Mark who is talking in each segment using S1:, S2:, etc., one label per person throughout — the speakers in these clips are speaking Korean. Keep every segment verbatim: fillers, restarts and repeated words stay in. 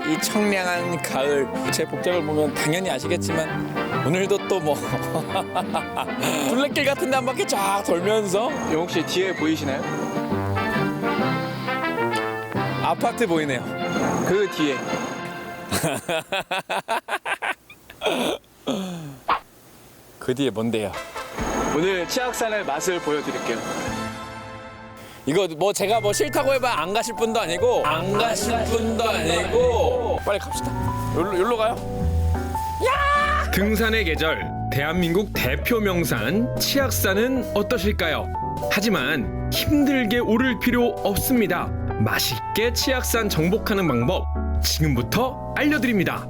S1: 이 청량한 가을. 제 복장을 보면 당연히 아시겠지만 오늘도 또 뭐 둘레길 같은 데 한 바퀴 쫙 돌면서.
S2: 영욱 씨 뒤에 보이시나요?
S1: 아파트 보이네요.
S2: 그 뒤에.
S1: 그 뒤에 뭔데요?
S2: 오늘 치악산의 맛을 보여드릴게요.
S1: 이거 뭐 제가 뭐 싫다고 해봐 안 가실 분도 아니고 안 가실 분도 아니고 빨리 갑시다. 여기로, 여기로 가요.
S3: 등산의 계절, 대한민국 대표 명산 치악산은 어떠실까요? 하지만 힘들게 오를 필요 없습니다. 맛있게 치악산 정복하는 방법 지금부터 알려드립니다.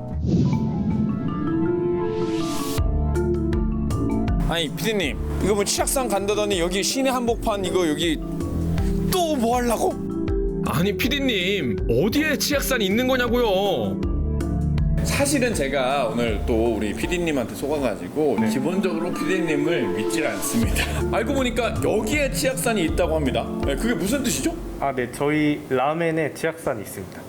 S1: 아니 피디님, 이거 뭐 치악산 간다더니 여기 시내 한복판 이거 여기 또 뭐 하려고?
S3: 아니 피디님, 어디에 치악산이 있는 거냐고요?
S1: 사실은 제가 오늘 또 우리 피디님한테 속아가지고 기본적으로 피디님을 믿질 않습니다. 알고 보니까 여기에 치악산이 있다고 합니다. 네, 그게 무슨 뜻이죠?
S4: 아, 네. 저희 라멘에 치악산이 있습니다.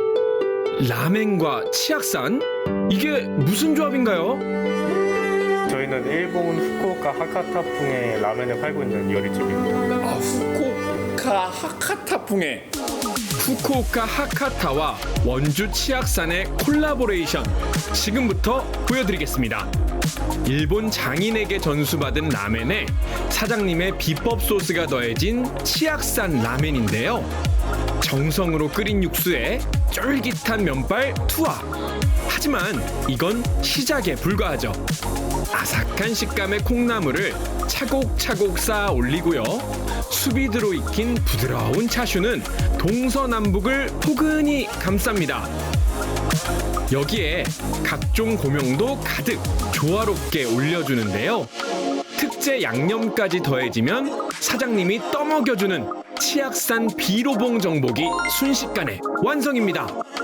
S3: 라멘과 치악산? 이게 무슨 조합인가요?
S4: 저희는 일본 후쿠오카 하카타풍의 라멘을 팔고 있는 요리집입니다.
S1: 아, 후쿠오카 하카타풍에.
S3: 후쿠오카 하카타와 원주 치악산의 콜라보레이션 지금부터 보여드리겠습니다. 일본 장인에게 전수받은 라멘에 사장님의 비법 소스가 더해진 치악산 라멘인데요. 정성으로 끓인 육수에 쫄깃한 면발 투하. 하지만 이건 시작에 불과하죠. 아삭한 식감의 콩나물을 차곡차곡 쌓아 올리고요. 숲이 들어 익힌 부드러운 차슈는 동서남북을 포근히 감쌉니다. 여기에 각종 고명도 가득 조화롭게 올려주는데요. 특제 양념까지 더해지면 사장님이 떠먹여주는 치악산 비로봉 정복이 순식간에 완성입니다.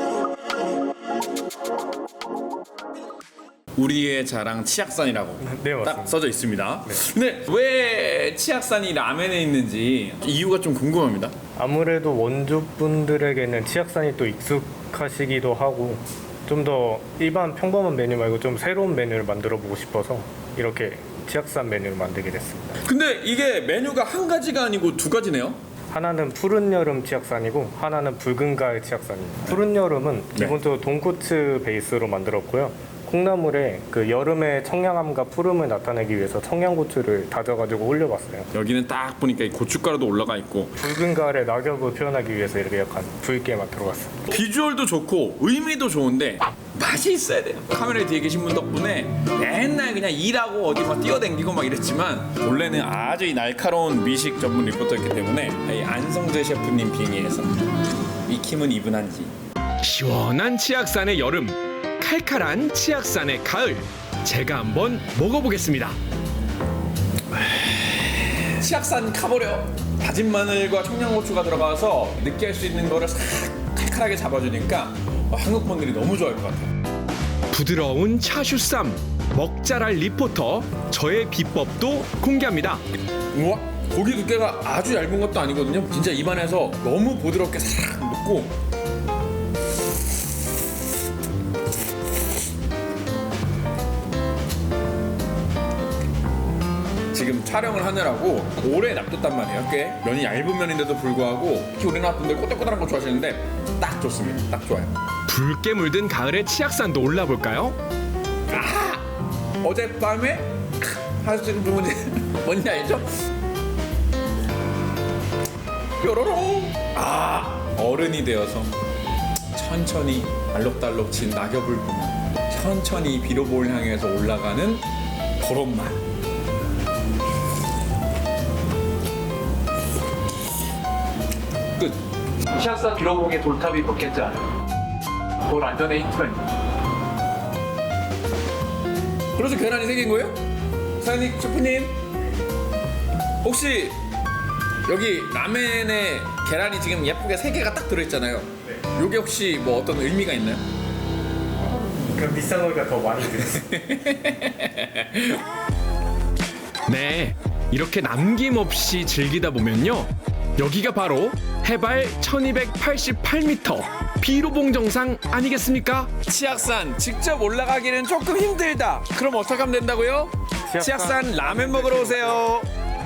S1: 우리의 자랑 치악산이라고
S4: 네, 맞습니다.
S1: 딱 써져 있습니다. 근데 왜 치악산이 라멘에 있는지 이유가 좀 궁금합니다.
S4: 아무래도 원주분들에게는 치악산이 또 익숙하시기도 하고 좀 더 일반 평범한 메뉴 말고 좀 새로운 메뉴를 만들어 보고 싶어서 이렇게 치악산 메뉴를 만들게 됐습니다.
S1: 근데 이게 메뉴가 한 가지가 아니고 두 가지네요.
S4: 하나는 푸른 여름 치악산이고 하나는 붉은 가을 치악산입니다. 푸른 여름은 기본적으로 돈코츠 베이스로 만들었고요. 콩나물에 그 여름의 청량함과 푸름을 나타내기 위해서 청양고추를 다져가지고 올려봤어요.
S1: 여기는 딱 보니까 이 고춧가루도 올라가 있고
S4: 붉은 가을의 낙엽을 표현하기 위해서 이렇게 약간 붉게만 들어갔습니다.
S1: 비주얼도 좋고 의미도 좋은데 맛이 있어야 돼요. 카메라 뒤에 계신 분 덕분에 맨날 그냥 일하고 어디 막 뛰어댕기고 막 이랬지만 원래는 아주 이 날카로운 미식 전문 리포터였기 때문에 이 안성재 셰프님 빙의해서 익힘은 이분한지.
S3: 시원한 치악산의 여름, 칼칼한 치악산의 가을, 제가 한번 먹어보겠습니다.
S1: 치악산 가버려. 다진 마늘과 청양고추가 들어가서 느끼할 수 있는 거를 싹 칼칼하게 잡아주니까 한국 분들이 너무 좋아할 것 같아요.
S3: 부드러운 차슈쌈, 먹자랄 리포터, 저의 비법도 공개합니다.
S1: 우와, 고기 두께가 아주 얇은 것도 아니거든요. 진짜 입안에서 너무 부드럽게 싹 녹고. 지금 촬영을 하느라고 오래 놔뒀단 말이에요. 꽤 면이 얇은 면인데도 불구하고 특히 우리나라 분들 꼬들꼬들한 거 좋아하시는데 딱 좋습니다. 딱 좋아요.
S3: 붉게 물든 가을의 치악산도 올라볼까요?
S1: 어젯밤에 하시는 부분이 뭔지 알죠? 뾰로롱. 아, 어른이 되어서 천천히 알록달록 진 낙엽을 보며 천천히 비로볼 향해서 올라가는 그런 맛. 끝.
S2: 치악산 비로봉의 돌탑이 몇 개인지 알아요? 돌 안전에 힌트가 있는.
S1: 그래서 계란이 생긴 거예요? 사장님, 셰프님, 혹시 여기 라멘에 계란이 지금 예쁘게 세 개가 딱 들어있잖아요. 네. 요게 혹시 뭐 어떤 의미가 있나요?
S4: 그 비싼 거니까 더 많이 드세요.
S3: 네, 이렇게 남김없이 즐기다 보면요, 여기가 바로 해발 천이백팔십팔 미터 비로봉 정상 아니겠습니까?
S1: 치악산 직접 올라가기는 조금 힘들다. 그럼 어떻게 하면 된다고요?
S4: 치악산
S1: 치악산 라면 먹으러 오세요.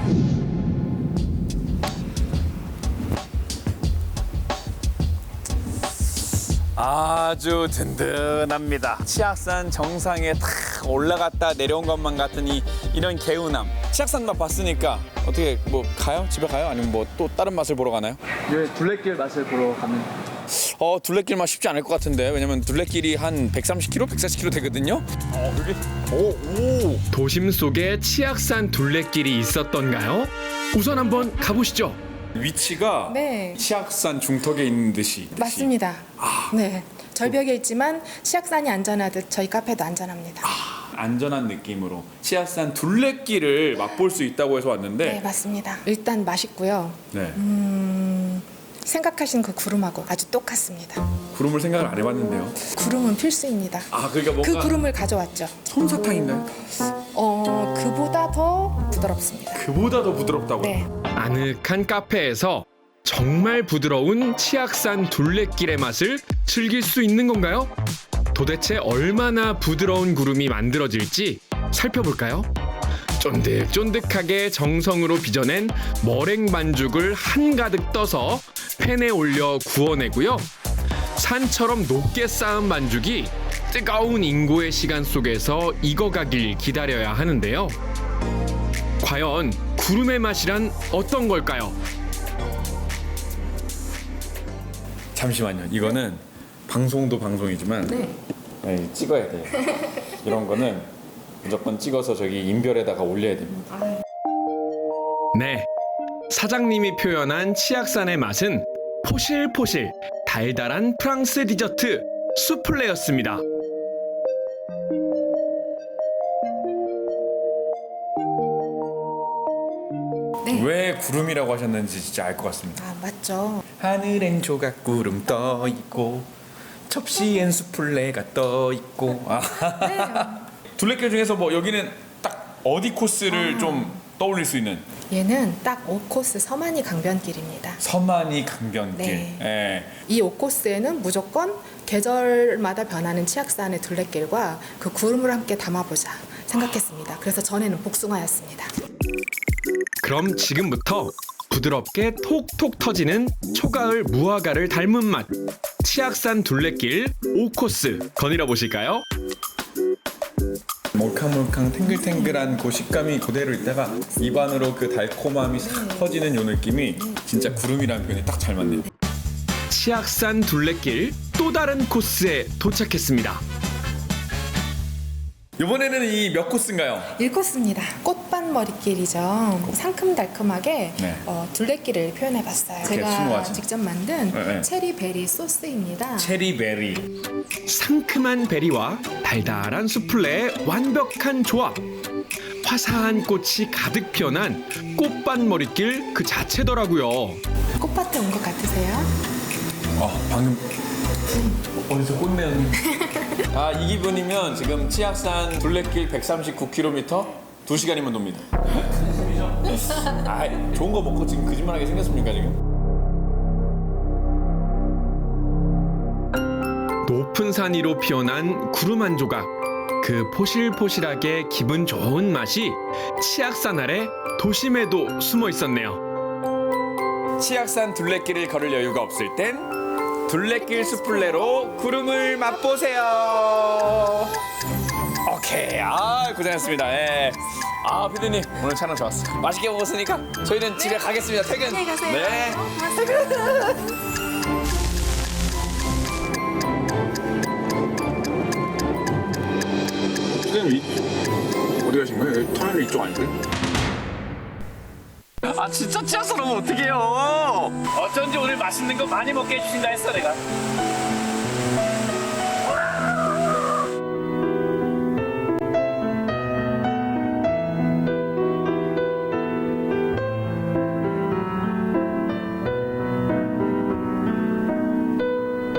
S1: 아주 든든합니다. 치악산 정상에 탁 올라갔다 내려온 것만 같은 이 이런 개운함. 치악산 맛 봤으니까 어떻게 뭐 가요? 집에 가요? 아니면 뭐 또 다른 맛을 보러 가나요?
S2: 예, 둘레길 맛을 보러 가는.
S1: 어 둘레길 맛 쉽지 않을 것 같은데 왜냐면 둘레길이 한 백삼십 킬로미터, 백사십 킬로미터 되거든요. 어 여기 오 오.
S3: 도심 속에 치악산 둘레길이 있었던가요? 우선 한번 가보시죠.
S1: 위치가
S5: 네.
S1: 치악산 중턱에 있는 듯이
S5: 맞습니다. 네. 절벽에 있지만 치악산이 안전하듯 저희 카페도 안전합니다.
S1: 안전한 느낌으로 치악산 둘레길을 맛볼 수 있다고 해서 왔는데
S5: 네, 맞습니다. 일단 맛있고요.
S1: 네.
S5: 생각하신 그 구름하고 아주 똑같습니다.
S1: 구름을 생각을 안 해봤는데요.
S5: 구름은 필수입니다.
S1: 아 그러니까
S5: 그
S1: 뭔가
S5: 구름을 가져왔죠.
S1: 솜사탕인가요?
S5: 어, 그보다 더 부드럽습니다.
S1: 그보다 더 부드럽다고요?
S5: 네.
S3: 아늑한 카페에서 정말 부드러운 치악산 둘레길의 맛을 즐길 수 있는 건가요? 도대체 얼마나 부드러운 구름이 만들어질지 살펴볼까요? 쫀득쫀득하게 정성으로 빚어낸 머랭 반죽을 한가득 떠서 팬에 올려 구워내고요. 산처럼 높게 쌓은 반죽이 뜨거운 인고의 시간 속에서 익어가길 기다려야 하는데요. 과연 구름의 맛이란 어떤 걸까요?
S1: 잠시만요. 이거는 방송도 방송이지만
S5: 네.
S1: 네, 찍어야 돼요. 이런 거는 무조건 찍어서 저기 인별에다가 올려야 됩니다.
S3: 네, 사장님이 표현한 치악산의 맛은 포실포실 달달한 프랑스 디저트 수플레였습니다.
S5: 네.
S1: 왜 구름이라고 하셨는지 진짜 알 것 같습니다.
S5: 아, 맞죠.
S1: 하늘엔 조각구름 떠 있고 접시엔 수플레가 떠 있고. 아. 둘레길 중에서 뭐 여기는 딱 어디 코스를 좀 떠올릴 수 있는
S5: 얘는 딱 오 코스 서만이 강변길입니다.
S1: 서만이 강변길.
S5: 네.
S1: 예.
S5: 이 오 코스에는 무조건 계절마다 변하는 치악산의 둘레길과 그 구름을 함께 담아보자 생각했습니다. 그래서 전에는 복숭아였습니다.
S3: 그럼 지금부터 부드럽게 톡톡 터지는 초가을 무화과를 닮은 맛 치악산 둘레길 오 코스 거닐어 보실까요?
S1: 몰캉몰캉 탱글탱글한 그 식감이 그대로 있다가 입안으로 그 달콤함이 싹 퍼지는 요 느낌이 진짜 구름이라는 표현이 딱 잘 맞네요.
S3: 치악산 둘레길 또 다른 코스에 도착했습니다.
S1: 이번에는 이 몇 코스인가요?
S5: 일 코스입니다. 꽃밭 머릿길이죠. 상큼달콤하게
S1: 네.
S5: 어, 둘레길을 표현해봤어요.
S1: 그렇게
S5: 제가
S1: 심오하죠.
S5: 직접 만든
S1: 네, 네.
S5: 체리베리 소스입니다.
S1: 체리베리.
S3: 상큼한 베리와 달달한 수플레의 완벽한 조합. 화사한 꽃이 가득 피어난 꽃밭 머릿길 그 자체더라고요.
S5: 꽃밭에 온 것 같으세요?
S1: 어 방금 어디서 꽃내는 아 이 기분이면 지금 치악산 둘레길 백삼십구 킬로미터 두 시간이면 돕니다. 아 좋은 거 먹고 지금 거짓말하게 생겼습니까 지금?
S3: 높은 산 위로 피어난 구름 한 조각. 그 포실포실하게 기분 좋은 맛이 치악산 아래 도심에도 숨어 있었네요.
S1: 치악산 둘레길을 걸을 여유가 없을 땐 둘레길 수플레로 구름을 맛보세요. 오케이. 아 고생했습니다. 예. 아 피디님 오늘 촬영 좋았어. 맛있게 먹었으니까 저희는 집에 가겠습니다. 퇴근.
S5: 안녕히 가세요.
S1: 네. 선생님 어디 가신 거예요? 터널 이쪽 아니세요? 아 진짜 치아서 오면 어떡해요. 어쩐지 오늘 맛있는 거 많이 먹게 해주신다 했어 내가.